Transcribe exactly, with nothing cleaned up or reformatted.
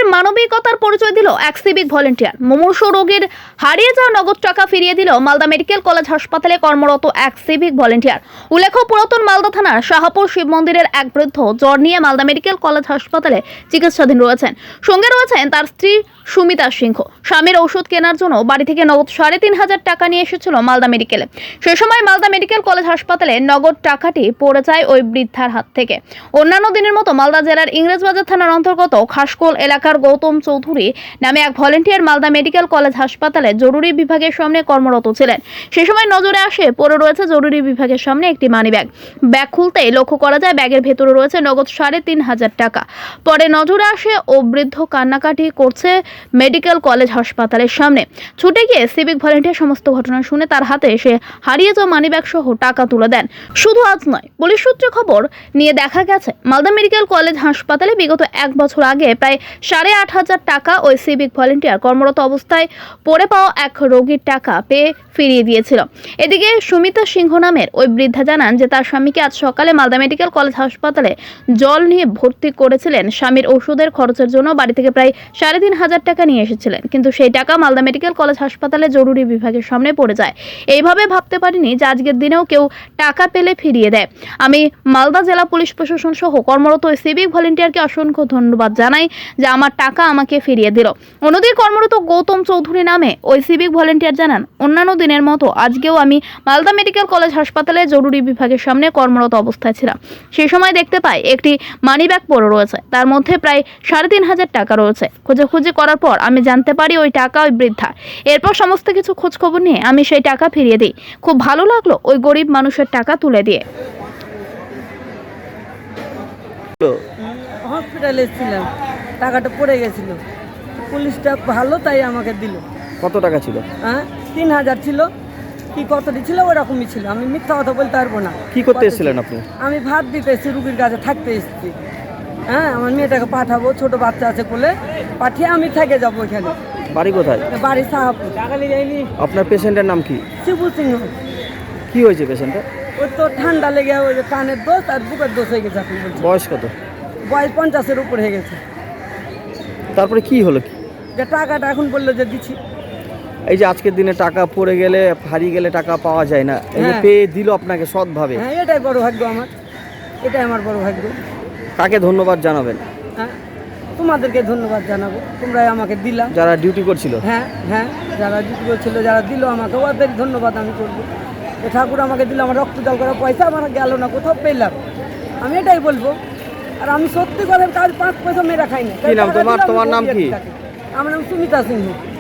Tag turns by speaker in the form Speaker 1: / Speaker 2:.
Speaker 1: মানবিকতার পরিচয় দিল এক সিভিক ভলেন্টিয়ার। মুমূর্ষু রোগীর হারিয়ে যাওয়া নগদ টাকা ফিরিয়ে দিল মালদা মেডিকেল কলেজ হাসপাতালে কর্মরত এক সিভিক ভলেন্টিয়ার। উল্লেখ্য, পুরাতন মালদা থানার শাহপুর শিব মন্দিরের এক বৃদ্ধ জ্বর নিয়ে মালদা মেডিকেল কলেজ হাসপাতালে চিকিৎসাধীন রয়েছেন। সঙ্গে রয়েছেন তার স্ত্রী সুমিতা সিংহ। স্বামীর ওষুধ কেনার জন্য বাড়ি থেকে নগদ সাড়ে তিন হাজার টাকা নিয়ে এসেছিল মালদা মেডিকেলে। সে সময় মালদা মেডিকেল কলেজ হাসপাতালে নগদ টাকাটি পড়ে যায় ওই বৃদ্ধার হাত থেকে। অন্যান্য দিনের মতো মালদা জেলার ইংরেজবাজার থানার অন্তর্গত খাসকোল এলাকার গৌতম চৌধুরী নামে এক ভলেন্টিয়ার মালদা মেডিকেল কলেজ হাসপাতালে জরুরি বিভাগের সামনে কর্মরত ছিলেন। সে সময় নজরে আসে পড়ে রয়েছে জরুরি বিভাগের সামনে একটি মানি ব্যাগ। ব্যাগ খুলতেই লক্ষ্য করা যায় ব্যাগের ভেতরে রয়েছে নগদ সাড়ে তিন হাজার টাকা। পরে নজরে আসে ও বৃদ্ধ কান্নাকাটি করছে মেডিকেল কলেজ হাসপাতালের সামনে। ছুটে গিয়ে সিভিক ভলেন্টিয়ার সমস্ত ঘটনা শুনে তার হাতে এসে হারিয়ে যাওয়া মানিব্যাগ সহ টাকা তুলে দেন। শুধু আজ নয়, পুলিশ সূত্রে খবর নিয়ে দেখা গেছে মালদা মেডিকেল কলেজ হাসপাতালে বিগত এক বছর আগে প্রায় সাড়ে আট হাজার টাকা ওই সিভিক ভলেন্টিয়ার কর্মরত অবস্থায় পড়ে পাওয়া এক রোগীর টাকা পেয়ে ফিরিয়ে দিয়েছিল। এদিকে সুমিতা সিংহ নামের ওই বৃদ্ধা জানান যে তার স্বামীকে আজ সকালে মালদা মেডিকেল কলেজ হাসপাতালে জল নিয়ে ভর্তি করেছিলেন। স্বামীর ওষুধের খরচের জন্য বাড়ি থেকে প্রায় সাড়ে তিন হাজার টাকা নিয়ে এসেছিলেন, কিন্তু সেই টাকা মালদা মেডিকেল কলেজ হাসপাতালে জরুরি বিভাগের সামনে পড়ে যায়। এইভাবে ভাবতে পারিনি যে আজকের দিনেও কেউ টাকা পেলে ফিরিয়ে দেয়। আমি মালদা জেলা পুলিশ প্রশাসন সহ কর্মরত ওই সিভিক ভলেন্টিয়ারকে অসংখ্য ধন্যবাদ জানাই যে আমার টাকা আমাকে ফিরিয়ে দিল। অন্যদিকে কর্মরত গৌতম চৌধুরী নামে ওই সিভিক ভলেন্টিয়ার জানান, অন্যান্য দিনের মতো আজকেও আমি মালদা মেডিকেল কলেজ হাসপাতালে জরুরি বিভাগের সামনে কর্মরত অবস্থায় ছিলাম। সেই সময় দেখতে পাই একটি মানিব্যাগ পড়ে রয়েছে, তার মধ্যে প্রায় সাড়ে তিন হাজার টাকা রয়েছে। খোঁজাখুঁজি করার পর আমি জানতে পারি ওই টাকা ওই বৃদ্ধা। এরপর সমস্ত কিছু খোঁজ খবর নিয়ে আমি সেই টাকা ফিরিয়ে দিই। খুব ভালো লাগলো ওই গরিব মানুষের টাকা তুলে দিয়ে।
Speaker 2: হসপিটালে ছিলাম, টাকাটা পড়ে গেছিল, পুলিশটা ভালো তাই আমাকে দিল।
Speaker 3: কত টাকা ছিল?
Speaker 2: হ্যাঁ, তিন হাজার ছিল কি কতটি ছিল ওরকমই ছিল। আমি মিথ্যা কথা বলতে পারবো না।
Speaker 3: কি করতে এসেছিলেন আপনি?
Speaker 2: আমি ভাত দিতে এসেছি, রুগীর কাছে থাকতে এসেছি। হ্যাঁ, আমার মেয়েটাকে পাঠাবো, ছোট বাচ্চা আছে বলে পাঠিয়ে আমি থেকে যাবো ওইখানে।
Speaker 3: বাড়ি কোথায়?
Speaker 2: বাড়ি শাহপুর।
Speaker 3: আপনার পেশেন্টের নাম কি?
Speaker 2: শিবু সিংহ।
Speaker 3: কি হয়েছে পেশেন্টের?
Speaker 2: ওই তো ঠান্ডা লেগে ওই যে কানের দোষ আর বুকের দোষ হয়ে গেছে। এখন বলছি
Speaker 3: বয়স কত?
Speaker 2: বয়স পঞ্চাশের উপর হয়ে গেছে।
Speaker 3: তারপরে কি হলো? কি
Speaker 2: যে টাকাটা এখন বললো যে দিচ্ছি।
Speaker 3: এই যে আজকের দিনে টাকা পড়ে গেলে হারিয়ে গেলে টাকা পাওয়া যায় না, এই যে
Speaker 2: হ্যাঁ।
Speaker 3: পেয়ে দিল আপনাকে সৎভাবে,
Speaker 2: হ্যাঁ, এটাই বড় ভাগ্য আমার, এটাই আমার বড় ভাগ্য।
Speaker 3: কাকে ধন্যবাদ জানাবেন?
Speaker 2: হ্যাঁ, তোমাদেরকে ধন্যবাদ জানাবো, তোমরাই আমাকে দিলা।
Speaker 3: যারা ডিউটি করছিল?
Speaker 2: হ্যাঁ হ্যাঁ, যারা ডিউটি করছিল, যারা দিল আমাকে, ওদের ধন্যবাদ আমি করবো। যে ঠাকুর আমাকে দিল, আমার রক্ত জল করা পয়সা আমার গেল না, কোথাও পেলাম, আমি এটাই বলবো। আর আমি সত্যি করে কাজ পাঁচ পয়সা মেরা খাই না।
Speaker 3: কি নাম তোমার? তোমার নাম কি?
Speaker 2: আমার নাম সুমিতা সিংহ।